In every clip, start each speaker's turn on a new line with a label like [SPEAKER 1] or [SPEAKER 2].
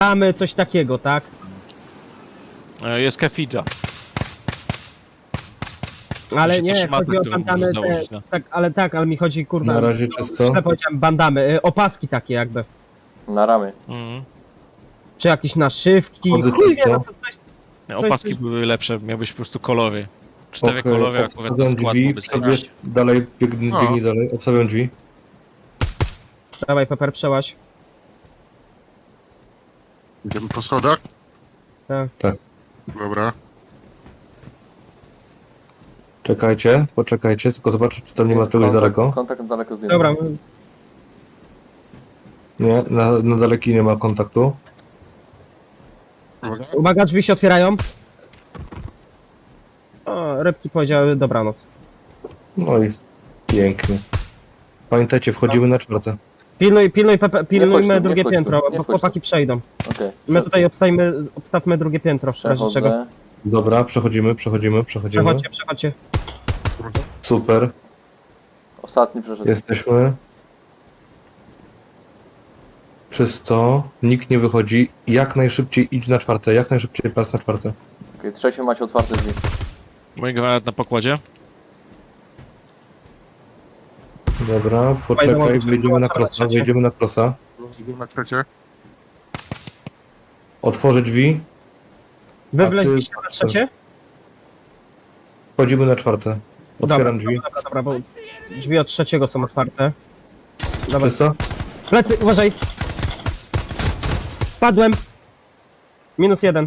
[SPEAKER 1] Mamy coś takiego, tak?
[SPEAKER 2] Jest Kefidża.
[SPEAKER 1] Ale
[SPEAKER 2] Musi
[SPEAKER 1] nie,
[SPEAKER 2] potrzymaty,
[SPEAKER 1] chodzi o
[SPEAKER 2] które
[SPEAKER 1] bandamy,
[SPEAKER 2] możesz założyć, no.
[SPEAKER 1] tak, ale mi chodzi, kurwa,
[SPEAKER 3] Na razie
[SPEAKER 1] no,
[SPEAKER 3] czysto.
[SPEAKER 1] źle powiedziałem, bandamy, opaski takie jakby.
[SPEAKER 4] Na ramy.
[SPEAKER 2] Mhm.
[SPEAKER 1] Czy jakieś naszywki,
[SPEAKER 3] Chody
[SPEAKER 1] chuj wie,
[SPEAKER 3] czysto.
[SPEAKER 1] no co coś...
[SPEAKER 2] Opaski były lepsze, miałbyś po prostu kolory. 4
[SPEAKER 3] Okej,
[SPEAKER 2] kolory akurat na
[SPEAKER 3] obstawiam
[SPEAKER 2] skład
[SPEAKER 3] drzwi,
[SPEAKER 2] byłby zajebiście.
[SPEAKER 3] dalej, biegnij dalej, obstawiam drzwi.
[SPEAKER 1] Dawaj, Pepper, przełaź.
[SPEAKER 5] Idziemy po schodach?
[SPEAKER 1] Tak.
[SPEAKER 5] Dobra.
[SPEAKER 3] Poczekajcie, tylko zobaczę, czy tam nie ma czegoś daleko.
[SPEAKER 4] Kontakt daleko zdjęty.
[SPEAKER 1] Dobra,
[SPEAKER 3] Nie, na daleki nie ma kontaktu.
[SPEAKER 5] Uwaga.
[SPEAKER 1] uwaga, drzwi się otwierają. O, rybki powiedziały dobranoc.
[SPEAKER 3] No i pięknie. Pamiętajcie, wchodzimy na czwarte.
[SPEAKER 1] Pilnujmy
[SPEAKER 4] nie
[SPEAKER 1] drugie
[SPEAKER 4] wchodź tu,
[SPEAKER 1] piętro,
[SPEAKER 4] nie
[SPEAKER 1] bo
[SPEAKER 4] wchodź tu.
[SPEAKER 1] chłopaki przejdą.
[SPEAKER 4] Okej.
[SPEAKER 1] My tutaj obstawmy drugie piętro, w razie czego.
[SPEAKER 4] Przechodzę.
[SPEAKER 3] Dobra, przechodzimy.
[SPEAKER 1] Przechodźcie.
[SPEAKER 3] Super,
[SPEAKER 4] Ostatni przeszedł.
[SPEAKER 3] jesteśmy. Czysto, nikt nie wychodzi. Jak najszybciej idź na czwarte, jak najszybciej pas na czwarte.
[SPEAKER 4] Okej, trzecie macie otwarte drzwi.
[SPEAKER 2] Mój granat na pokładzie.
[SPEAKER 3] Dobra, poczekaj, wejdziemy na krosa.
[SPEAKER 5] Idziemy na trzecie.
[SPEAKER 3] Otworzę drzwi,
[SPEAKER 1] Wy
[SPEAKER 3] A ty-
[SPEAKER 1] wleźliście na trzecie?
[SPEAKER 3] wchodzimy na czwarte. Otwieram drzwi.
[SPEAKER 1] Dobra, bo drzwi od trzeciego są otwarte. Dobra,
[SPEAKER 3] Czysto?
[SPEAKER 1] plecy, uważaj! Padłem! -1.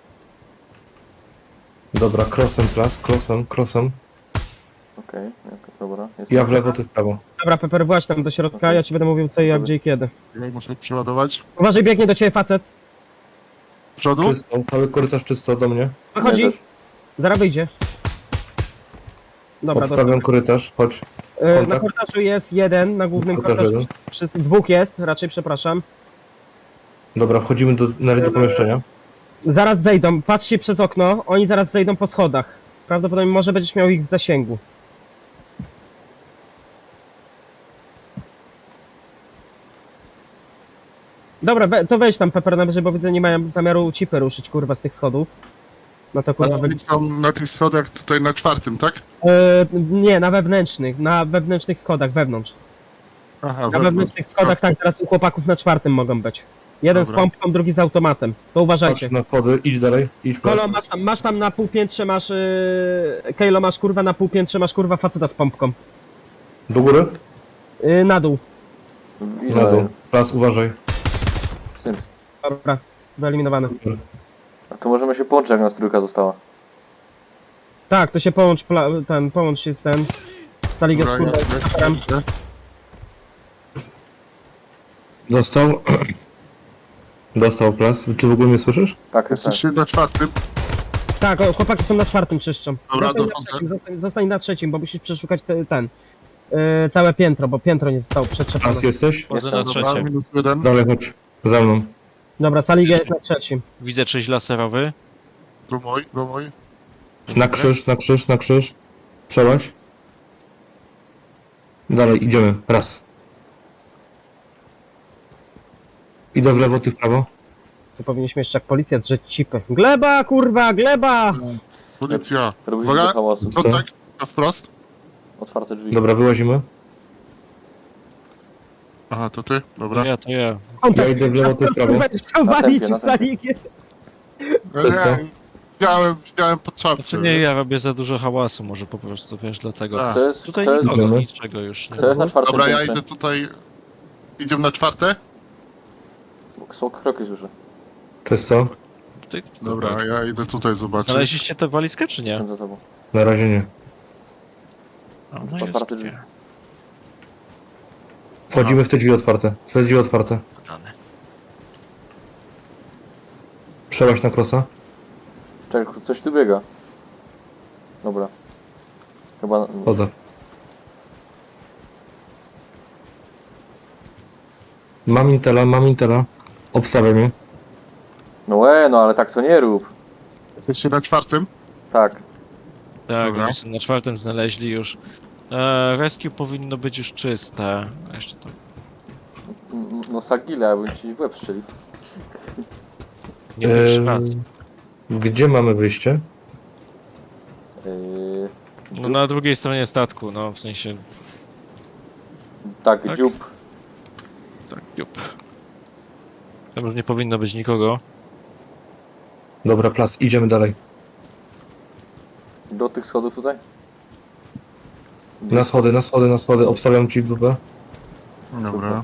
[SPEAKER 3] Dobra, krosem plas, krosem.
[SPEAKER 4] Okej, dobra. Jest
[SPEAKER 3] Ja w lewo, ty w prawo.
[SPEAKER 1] Dobra, Pepper, właź tam do środka, ja ci będę mówił co, jak, gdzie i kiedy.
[SPEAKER 5] Ja muszę przeładować.
[SPEAKER 1] Uważaj, biegnie do ciebie facet.
[SPEAKER 5] W przodu?
[SPEAKER 3] Czysto, cały korytarz czysto do mnie.
[SPEAKER 1] Wychodzi,
[SPEAKER 4] Leżysz.
[SPEAKER 1] zaraz wyjdzie. Dobra, dobra.
[SPEAKER 3] Obstawiam korytarz, chodź.
[SPEAKER 1] Na
[SPEAKER 3] kontakt.
[SPEAKER 1] korytarzu jest jeden, na głównym
[SPEAKER 3] Korytarz
[SPEAKER 1] korytarzu dwóch jest, raczej, przepraszam.
[SPEAKER 3] Dobra, wchodzimy do pomieszczenia.
[SPEAKER 1] Zaraz zejdą, patrzcie przez okno, oni zaraz zejdą po schodach. Prawdopodobnie może będziesz miał ich w zasięgu. Dobra, to wejdź tam, Pepper, na wyżej, bo widzę, nie mają zamiaru cipy ruszyć, kurwa, z tych schodów. No to kurwa...
[SPEAKER 5] Ale oni są na tych schodach tutaj na czwartym, tak?
[SPEAKER 1] Nie, na wewnętrznych schodach, wewnątrz.
[SPEAKER 5] Aha,
[SPEAKER 1] Na
[SPEAKER 5] wewnątrz.
[SPEAKER 1] wewnętrznych schodach, tak, teraz u chłopaków na czwartym mogą być. Jeden
[SPEAKER 5] Dobra.
[SPEAKER 1] z pompką, drugi z automatem. To uważajcie.
[SPEAKER 3] Patrz na schody, idź dalej, idź
[SPEAKER 1] Kolo,
[SPEAKER 3] plas.
[SPEAKER 1] masz tam na półpiętrze, Kejlo, masz kurwa na półpiętrze, masz kurwa faceta z pompką.
[SPEAKER 3] Do góry?
[SPEAKER 1] Na dół.
[SPEAKER 3] Na dół. Plas, uważaj.
[SPEAKER 4] Synt.
[SPEAKER 1] Dobra, wyeliminowane.
[SPEAKER 4] A to możemy się połączyć, jak nas trójka została.
[SPEAKER 1] Tak, to się połącz, połącz się z ten... Saligę z
[SPEAKER 5] Dobra,
[SPEAKER 1] kurwa.
[SPEAKER 5] ja-
[SPEAKER 3] Dostał. Dostał plas. Czy w ogóle mnie słyszysz?
[SPEAKER 4] Tak, tak.
[SPEAKER 5] Jesteście na czwartym.
[SPEAKER 1] Tak, chłopaki są na czwartym, czyszczą.
[SPEAKER 5] Dobra,
[SPEAKER 1] Zostań na
[SPEAKER 5] dochodzę.
[SPEAKER 1] trzecim, zostań na trzecim, bo musisz przeszukać całe piętro, bo piętro nie zostało przetrzepane.
[SPEAKER 3] Plas jesteś?
[SPEAKER 2] Wchodzę na
[SPEAKER 4] Jestem,
[SPEAKER 5] Dobra,
[SPEAKER 2] trzecie.
[SPEAKER 5] -1.
[SPEAKER 3] Dalej chodź. Za mną.
[SPEAKER 1] Dobra, Saliga jest na trzecim.
[SPEAKER 2] Widzę czyś laserowy.
[SPEAKER 5] Tu mój.
[SPEAKER 3] Na krzyż. Przełaź. Dalej, idziemy. Raz. Idę w lewo, ty w prawo.
[SPEAKER 1] Tu powinniśmy jeszcze jak policja drzeć cipy. Gleba, kurwa, gleba!
[SPEAKER 5] Policja.
[SPEAKER 4] Robić
[SPEAKER 5] Uwaga.
[SPEAKER 4] dużo hałasu.
[SPEAKER 5] Kontakt. Na wprost.
[SPEAKER 4] Otwarte drzwi.
[SPEAKER 3] Dobra, wyłazimy.
[SPEAKER 5] Aha, to ty? Dobra.
[SPEAKER 2] To ja.
[SPEAKER 3] Ja idę w lewo, ty w prawo.
[SPEAKER 1] Będziesz chciał walić
[SPEAKER 4] na
[SPEAKER 1] w Saligę.
[SPEAKER 3] Czysto.
[SPEAKER 5] Widziałem pod czapce.
[SPEAKER 2] Znaczy nie, ja robię za dużo hałasu może po prostu, wiesz, dlatego.
[SPEAKER 5] Tak.
[SPEAKER 4] To jest,
[SPEAKER 2] Tutaj
[SPEAKER 4] to jest,
[SPEAKER 2] nikogo,
[SPEAKER 3] Idziemy.
[SPEAKER 2] niczego już nie
[SPEAKER 4] to jest na czwartym
[SPEAKER 5] Dobra, ja
[SPEAKER 4] piętrze.
[SPEAKER 5] idę tutaj. Idziemy na czwarte?
[SPEAKER 4] Są kroki słyszę.
[SPEAKER 3] Czysto.
[SPEAKER 2] Tutaj...
[SPEAKER 5] Dobra, ja idę tutaj zobaczyć.
[SPEAKER 2] Znaleźliście tę walizkę, czy nie?
[SPEAKER 4] Jestem za tobą.
[SPEAKER 3] Na razie nie.
[SPEAKER 2] A, no jest
[SPEAKER 4] Otwarte drzwi.
[SPEAKER 2] gdzie?
[SPEAKER 3] Wchodzimy w te drzwi otwarte. Te drzwi otwarte.
[SPEAKER 2] Dane.
[SPEAKER 3] Przełaź na krosa.
[SPEAKER 4] Czekaj, coś tu biega. Dobra. Chyba...
[SPEAKER 3] Chodzę. Mam intela. Obstawiam mnie.
[SPEAKER 4] No ale tak to nie rób.
[SPEAKER 5] Jesteście na czwartym?
[SPEAKER 4] Tak.
[SPEAKER 2] Tak,
[SPEAKER 5] Dobra.
[SPEAKER 2] oni są na czwartym znaleźli już. Rescue powinno być już czyste. A jeszcze to...
[SPEAKER 4] No Sagile, abym ci w łeb strzelił.
[SPEAKER 2] Nie pierwszy raz.
[SPEAKER 3] Gdzie mamy wyjście?
[SPEAKER 2] No na drugiej stronie statku, no w sensie...
[SPEAKER 4] Tak,
[SPEAKER 2] tak?
[SPEAKER 4] dziób.
[SPEAKER 2] Tak, jup. Tam już nie powinno być nikogo.
[SPEAKER 3] Dobra, Plas, idziemy dalej.
[SPEAKER 4] Do tych schodów tutaj?
[SPEAKER 3] Na schody, na schody, na schody. Obstawiam ci w dupę.
[SPEAKER 5] Dobra.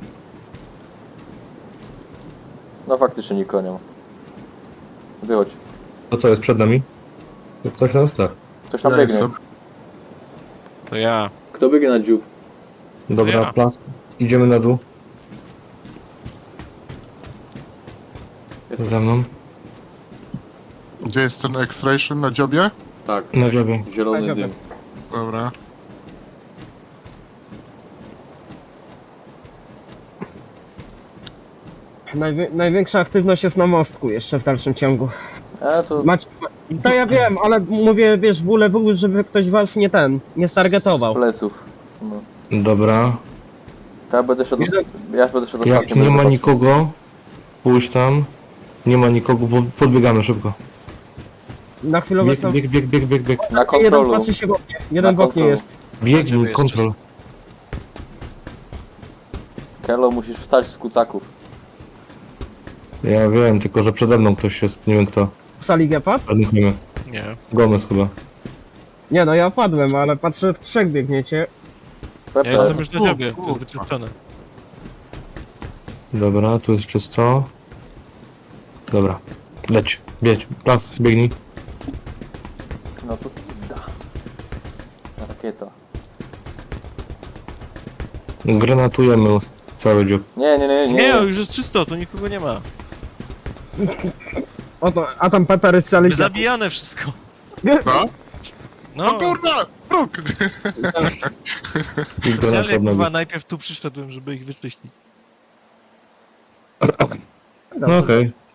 [SPEAKER 4] No faktycznie nikogo nie ma. Wychodź.
[SPEAKER 3] To co jest przed nami? Ktoś na nas tak.
[SPEAKER 4] Ktoś tam
[SPEAKER 5] Ja
[SPEAKER 4] biegnie.
[SPEAKER 5] jestem.
[SPEAKER 2] To ja.
[SPEAKER 4] Kto biegnie na dziób?
[SPEAKER 3] Dobra,
[SPEAKER 2] Ja.
[SPEAKER 3] Plas. Idziemy na dół.
[SPEAKER 4] Jestem.
[SPEAKER 3] Za mną.
[SPEAKER 5] Gdzie jest ten extraction na dziobie?
[SPEAKER 4] Tak.
[SPEAKER 3] Na dziobie.
[SPEAKER 4] Zielony
[SPEAKER 1] Na dziobie.
[SPEAKER 4] dym.
[SPEAKER 5] Dobra.
[SPEAKER 1] Największa aktywność jest na mostku jeszcze w dalszym ciągu.
[SPEAKER 4] To...
[SPEAKER 1] To ja wiem, ale mówię, wiesz, bóle były, żeby ktoś was nie
[SPEAKER 4] Z
[SPEAKER 1] stargetował.
[SPEAKER 4] pleców. No.
[SPEAKER 3] Dobra.
[SPEAKER 4] To ja będę szedł... Ja będę szedł
[SPEAKER 3] Jak
[SPEAKER 4] ostatnim,
[SPEAKER 3] nie
[SPEAKER 4] będę
[SPEAKER 3] ma
[SPEAKER 4] patrzył.
[SPEAKER 3] nikogo, pójdź tam. Nie ma nikogo, bo podbiegamy szybko.
[SPEAKER 1] Na chwilę
[SPEAKER 3] Bieg,
[SPEAKER 1] obecną
[SPEAKER 3] bieg, bieg, bieg, bieg, bieg.
[SPEAKER 4] Na
[SPEAKER 1] jeden
[SPEAKER 4] kontrolu.
[SPEAKER 1] patrzy się w oknie, jeden w
[SPEAKER 4] Na
[SPEAKER 1] oknie
[SPEAKER 4] kontrolu.
[SPEAKER 1] jest.
[SPEAKER 3] Biegnij,
[SPEAKER 2] jest
[SPEAKER 3] kontrol.
[SPEAKER 4] Kelo, musisz wstać z kucaków.
[SPEAKER 3] Ja wiem, tylko że przede mną ktoś jest, nie wiem kto.
[SPEAKER 1] W sali Gepard?
[SPEAKER 3] Żadnych nie ma.
[SPEAKER 2] Nie.
[SPEAKER 3] Gomez chyba.
[SPEAKER 1] Nie no, ja padłem, ale patrzę, w trzech biegniecie.
[SPEAKER 4] Pepe.
[SPEAKER 2] Ja jestem już na dziobie, to jest
[SPEAKER 5] kurwa.
[SPEAKER 2] wyczyszczone.
[SPEAKER 3] Dobra, tu jest czysto. Dobra. Leć, bieć, Plas, biegnij.
[SPEAKER 4] No to pizda. Rakieta.
[SPEAKER 3] Granatujemy cały dziób.
[SPEAKER 4] Nie, nie, nie, nie.
[SPEAKER 2] Nie, już jest czysto, tu nikogo nie ma.
[SPEAKER 1] Oto, a tam Pepper z sali Gepard.
[SPEAKER 2] Zabijane wszystko.
[SPEAKER 5] No?
[SPEAKER 2] No,
[SPEAKER 5] No kurwa! Próg!
[SPEAKER 3] I granaty
[SPEAKER 2] specjalnie
[SPEAKER 3] od nogi.
[SPEAKER 2] chyba najpierw tu przyszedłem, żeby ich wyczyścić.
[SPEAKER 3] No okej.